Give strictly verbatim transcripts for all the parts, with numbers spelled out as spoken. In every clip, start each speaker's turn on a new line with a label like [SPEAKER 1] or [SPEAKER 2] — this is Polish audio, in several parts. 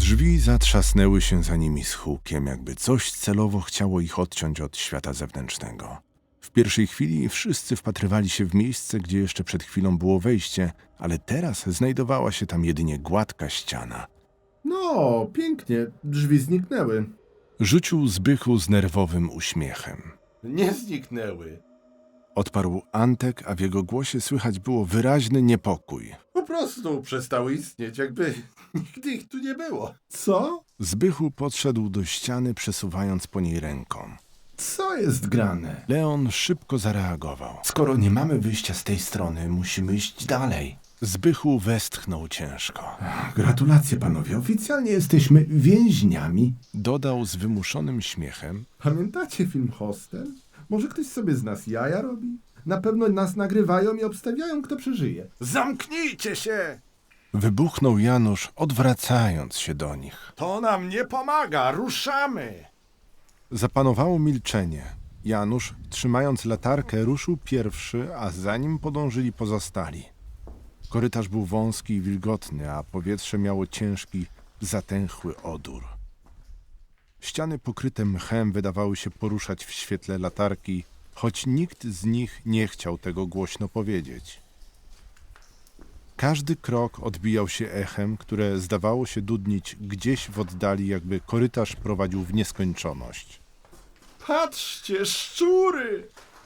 [SPEAKER 1] Drzwi zatrzasnęły się za nimi z hukiem, jakby coś celowo chciało ich odciąć od świata zewnętrznego. W pierwszej chwili wszyscy wpatrywali się w miejsce, gdzie jeszcze przed chwilą było wejście, ale teraz znajdowała się tam jedynie gładka ściana.
[SPEAKER 2] No, pięknie, drzwi zniknęły.
[SPEAKER 1] Rzucił Zbychu z nerwowym uśmiechem.
[SPEAKER 2] Nie zniknęły.
[SPEAKER 1] Odparł Antek, a w jego głosie słychać było wyraźny niepokój.
[SPEAKER 2] Po prostu przestały istnieć, jakby nigdy ich tu nie było. Co?
[SPEAKER 1] Zbychu podszedł do ściany, przesuwając po niej ręką.
[SPEAKER 2] Co jest grane?
[SPEAKER 1] Leon szybko zareagował.
[SPEAKER 3] Skoro nie mamy wyjścia z tej strony, musimy iść dalej.
[SPEAKER 1] Zbychu westchnął ciężko.
[SPEAKER 2] Gratulacje, panowie, oficjalnie jesteśmy więźniami.
[SPEAKER 1] Dodał z wymuszonym śmiechem.
[SPEAKER 2] Pamiętacie film Hostel? Może ktoś sobie z nas jaja robi? Na pewno nas nagrywają i obstawiają, kto przeżyje. Zamknijcie się!
[SPEAKER 1] Wybuchnął Janusz, odwracając się do nich.
[SPEAKER 2] To nam nie pomaga, ruszamy!
[SPEAKER 1] Zapanowało milczenie. Janusz, trzymając latarkę, ruszył pierwszy, a za nim podążyli pozostali. Korytarz był wąski i wilgotny, a powietrze miało ciężki, zatęchły odór. Ściany pokryte mchem wydawały się poruszać w świetle latarki, choć nikt z nich nie chciał tego głośno powiedzieć. Każdy krok odbijał się echem, które zdawało się dudnić gdzieś w oddali, jakby korytarz prowadził w nieskończoność.
[SPEAKER 2] Patrzcie, szczury!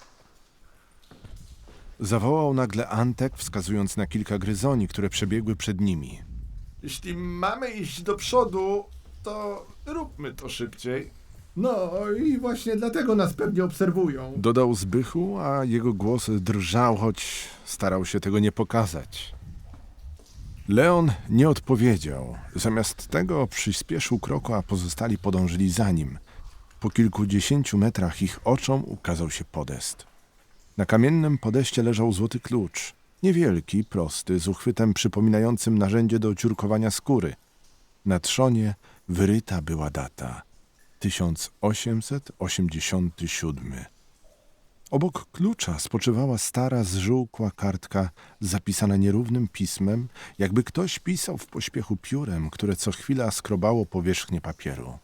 [SPEAKER 1] Zawołał nagle Antek, wskazując na kilka gryzoni, które przebiegły przed nimi.
[SPEAKER 2] Jeśli mamy iść do przodu, to róbmy to szybciej. No i właśnie dlatego nas pewnie obserwują.
[SPEAKER 1] Dodał Zbychu, a jego głos drżał, choć starał się tego nie pokazać. Leon nie odpowiedział. Zamiast tego przyspieszył kroku, a pozostali podążyli za nim. Po kilkudziesięciu metrach ich oczom ukazał się podest. Na kamiennym podeście leżał złoty klucz. Niewielki, prosty, z uchwytem przypominającym narzędzie do ciurkowania skóry. Na trzonie wyryta była data. tysiąc osiemset osiemdziesiąty siódmy. Obok klucza spoczywała stara, zżółkła kartka zapisana nierównym pismem, jakby ktoś pisał w pośpiechu piórem, które co chwila skrobało powierzchnię papieru.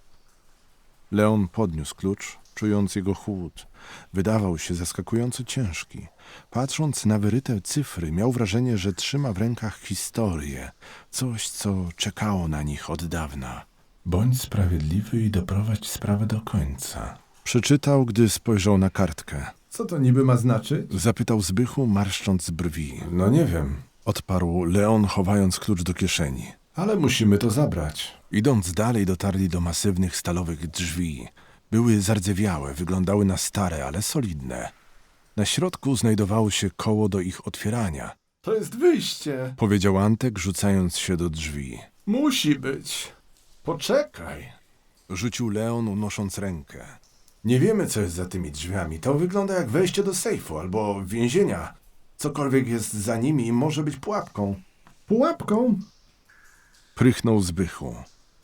[SPEAKER 1] Leon podniósł klucz, czując jego chłód. Wydawał się zaskakująco ciężki. Patrząc na wyryte cyfry, miał wrażenie, że trzyma w rękach historię, coś, co czekało na nich od dawna.
[SPEAKER 3] Bądź sprawiedliwy i doprowadź sprawę do końca.
[SPEAKER 1] Przeczytał, gdy spojrzał na kartkę.
[SPEAKER 2] Co to niby ma znaczyć?
[SPEAKER 1] Zapytał Zbychu, marszcząc brwi. No nie wiem, odparł Leon, chowając klucz do kieszeni.
[SPEAKER 2] Ale musimy to zabrać.
[SPEAKER 1] Idąc dalej, dotarli do masywnych stalowych drzwi. Były zardzewiałe, wyglądały na stare, ale solidne. Na środku znajdowało się koło do ich otwierania,
[SPEAKER 2] To jest wyjście.
[SPEAKER 1] powiedział Antek, rzucając się do drzwi.
[SPEAKER 2] Musi być. Poczekaj.
[SPEAKER 1] Rzucił Leon, unosząc rękę.
[SPEAKER 3] Nie wiemy, co jest za tymi drzwiami. To wygląda jak wejście do sejfu albo więzienia. Cokolwiek jest za nimi może być pułapką.
[SPEAKER 2] Pułapką?
[SPEAKER 1] Prychnął Zbychu.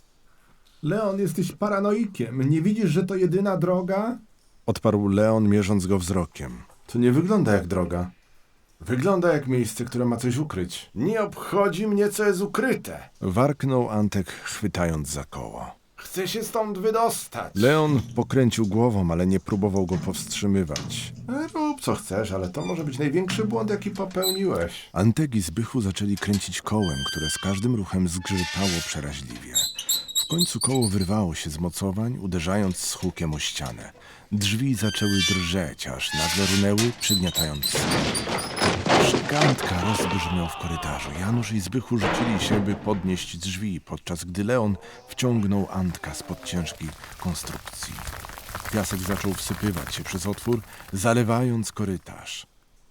[SPEAKER 2] Leon, jesteś paranoikiem. Nie widzisz, że to jedyna droga?
[SPEAKER 1] Odparł Leon, mierząc go wzrokiem.
[SPEAKER 3] To nie wygląda jak droga. Wygląda jak miejsce, które ma coś ukryć. Nie obchodzi mnie, co jest ukryte.
[SPEAKER 1] Warknął Antek, chwytając za koło.
[SPEAKER 3] Chcę się stąd wydostać.
[SPEAKER 1] Leon pokręcił głową, ale nie próbował go powstrzymywać.
[SPEAKER 3] Rób co chcesz, ale to może być największy błąd, jaki popełniłeś.
[SPEAKER 1] Antek i Zbychu zaczęli kręcić kołem, które z każdym ruchem zgrzytało przeraźliwie. W końcu koło wyrwało się z mocowań, uderzając z hukiem o ścianę. Drzwi zaczęły drżeć, aż nagle runęły, przygniatając stół. Krzyk Antka rozbrzmiał w korytarzu. Janusz i Zbychu rzucili się, by podnieść drzwi, podczas gdy Leon wciągnął Antka spod ciężkiej konstrukcji. Piasek zaczął wsypywać się przez otwór, zalewając korytarz.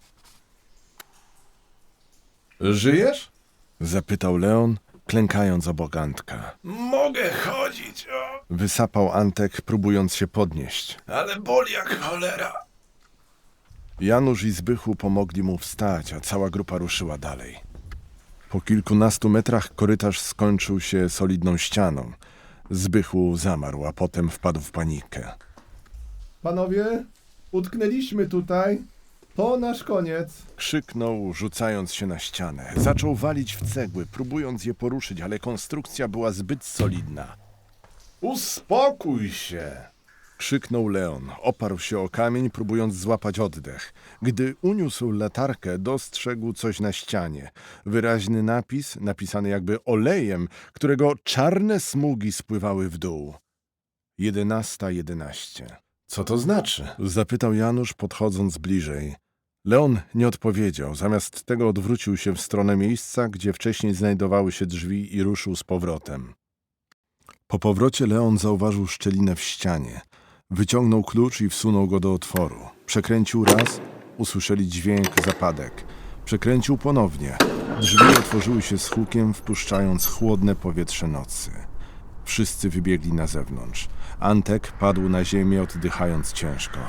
[SPEAKER 2] Żyjesz?
[SPEAKER 1] Zapytał Leon, klękając obok Antka.
[SPEAKER 3] Mogę chodzić, o,
[SPEAKER 1] Wysapał Antek, próbując się podnieść.
[SPEAKER 3] ale boli jak cholera.
[SPEAKER 1] Janusz i Zbychu pomogli mu wstać, a cała grupa ruszyła dalej. Po kilkunastu metrach korytarz skończył się solidną ścianą. Zbychu zamarł, a potem wpadł w panikę.
[SPEAKER 2] Panowie, utknęliśmy tutaj. To nasz koniec.
[SPEAKER 1] Krzyknął, rzucając się na ścianę. Zaczął walić w cegły, próbując je poruszyć, ale konstrukcja była zbyt solidna.
[SPEAKER 3] Uspokój się!
[SPEAKER 1] Krzyknął Leon. Oparł się o kamień, próbując złapać oddech. Gdy uniósł latarkę, dostrzegł coś na ścianie. Wyraźny napis, napisany jakby olejem, którego czarne smugi spływały w dół. Jedenasta jedenaście.
[SPEAKER 3] Co to znaczy?
[SPEAKER 1] Zapytał Janusz, podchodząc bliżej. Leon nie odpowiedział. Zamiast tego odwrócił się w stronę miejsca, gdzie wcześniej znajdowały się drzwi i ruszył z powrotem. Po powrocie Leon zauważył szczelinę w ścianie. Wyciągnął klucz i wsunął go do otworu. Przekręcił raz, usłyszeli dźwięk, zapadek. Przekręcił ponownie. Drzwi otworzyły się z hukiem, wpuszczając chłodne powietrze nocy. Wszyscy wybiegli na zewnątrz. Antek padł na ziemię, oddychając ciężko.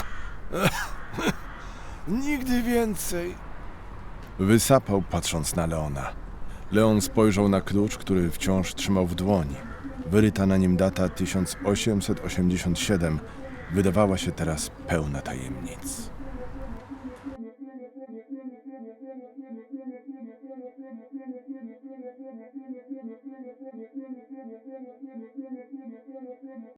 [SPEAKER 3] Nigdy więcej.
[SPEAKER 1] Wysapał, patrząc na Leona. Leon spojrzał na klucz, który wciąż trzymał w dłoni. Wyryta na nim data tysiąc osiemset osiemdziesiąt siedem wydawała się teraz pełna tajemnic.